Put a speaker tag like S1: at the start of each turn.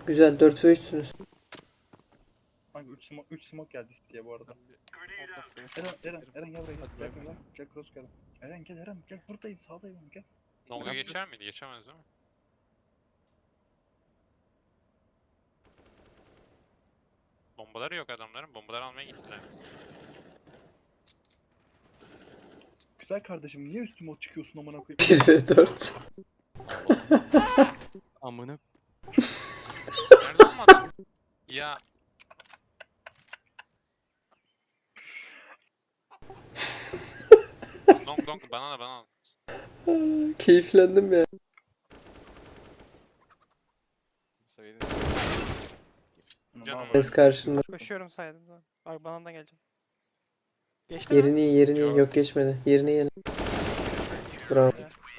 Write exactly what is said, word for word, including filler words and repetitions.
S1: Güzel dört ve üçsünüz.
S2: Hangi üç smoke, üç smoke geldi diye bu arada. Eren, Eren, Eren gel buraya gel. Gel gel gel. Gel cross gel. Eren gel Eren gel buradayım sağdayım gel.
S3: Longa geçer miydi? Geçemez değil mi? Bombaları yok adamların. Bombaları almaya gittiler.
S2: Güzel kardeşim niye üstüme o çıkıyorsun amına koyayım?
S1: bir ve dört.
S4: Amına
S3: Nerede oğlum adam? Ya long long bana da bana al.
S1: Keyiflendim ya.
S4: seviyede.
S3: Canım
S1: Ses karşında.
S5: Koşuyorum saydım da. Bak bana da geleceğim. Geçti mi?
S1: Yerini iyi, yerini iyi.
S3: Yok.
S1: Yok geçmedi. Yerini iyi. Bravo.
S5: Güzel.